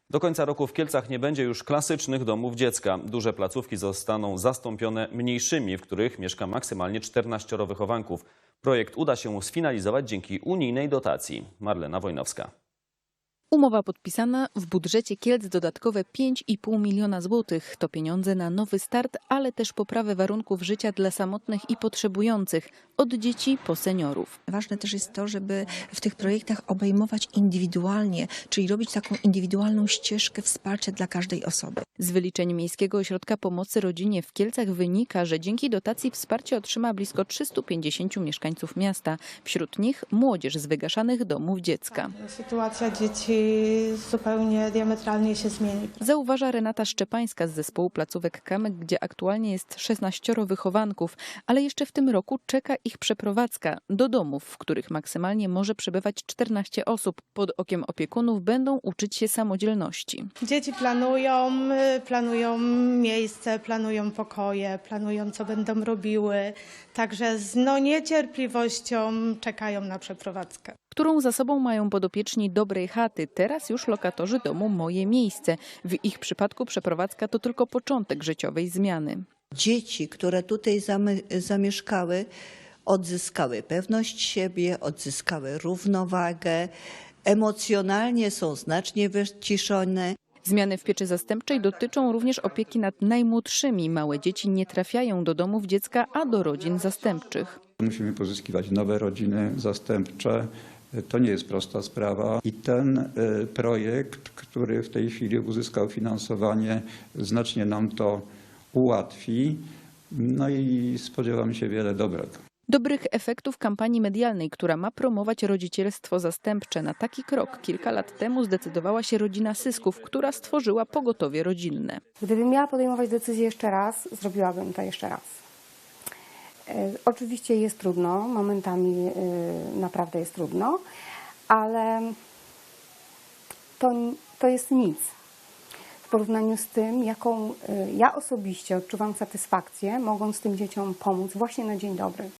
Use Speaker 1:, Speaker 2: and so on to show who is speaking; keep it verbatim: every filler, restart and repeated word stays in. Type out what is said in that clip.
Speaker 1: Do końca roku w Kielcach nie będzie już klasycznych domów dziecka. Duże placówki zostaną zastąpione mniejszymi, w których mieszka maksymalnie czternaścioro wychowanków. Projekt uda się sfinalizować dzięki unijnej dotacji. Marlena Wojnowska.
Speaker 2: Umowa podpisana, w budżecie Kielc dodatkowe pięć i pół miliona złotych. To pieniądze na nowy start, ale też poprawę warunków życia dla samotnych i potrzebujących, od dzieci po seniorów.
Speaker 3: Ważne też jest to, żeby w tych projektach obejmować indywidualnie, czyli robić taką indywidualną ścieżkę wsparcia dla każdej osoby.
Speaker 2: Z wyliczeń Miejskiego Ośrodka Pomocy Rodzinie w Kielcach wynika, że dzięki dotacji wsparcie otrzyma blisko trzystu pięćdziesięciu mieszkańców miasta. Wśród nich młodzież z wygaszanych domów dziecka.
Speaker 4: Sytuacja dzieci zupełnie diametralnie się zmieni.
Speaker 2: Zauważa Renata Szczepańska z zespołu placówek Kamyk, gdzie aktualnie jest szesnaścioro wychowanków, ale jeszcze w tym roku czeka ich przeprowadzka do domów, w których maksymalnie może przebywać czternaście osób. Pod okiem opiekunów będą uczyć się samodzielności.
Speaker 4: Dzieci planują, planują miejsce, planują pokoje, planują, co będą robiły. Także z no, niecierpliwością czekają na przeprowadzkę.
Speaker 2: Którą za sobą mają podopieczni Dobrej Chaty, teraz już lokatorzy domu Moje Miejsce. W ich przypadku przeprowadzka to tylko początek życiowej zmiany.
Speaker 5: Dzieci, które tutaj zamieszkały, odzyskały pewność siebie, odzyskały równowagę, emocjonalnie są znacznie wyciszone.
Speaker 2: Zmiany w pieczy zastępczej dotyczą również opieki nad najmłodszymi. Małe dzieci nie trafiają do domów dziecka, a do rodzin zastępczych.
Speaker 6: Musimy pozyskiwać nowe rodziny zastępcze. To nie jest prosta sprawa i ten projekt, który w tej chwili uzyskał finansowanie, znacznie nam to ułatwi. No i spodziewam się wiele dobrego.
Speaker 2: Dobrych efektów kampanii medialnej, która ma promować rodzicielstwo zastępcze. Na taki krok kilka lat temu zdecydowała się rodzina Sysków, która stworzyła pogotowie rodzinne.
Speaker 7: Gdybym miała podejmować decyzję jeszcze raz, zrobiłabym to jeszcze raz. Oczywiście jest trudno, momentami naprawdę jest trudno, ale to, to jest nic w porównaniu z tym, jaką ja osobiście odczuwam satysfakcję, mogąc tym dzieciom pomóc właśnie na dzień dobry.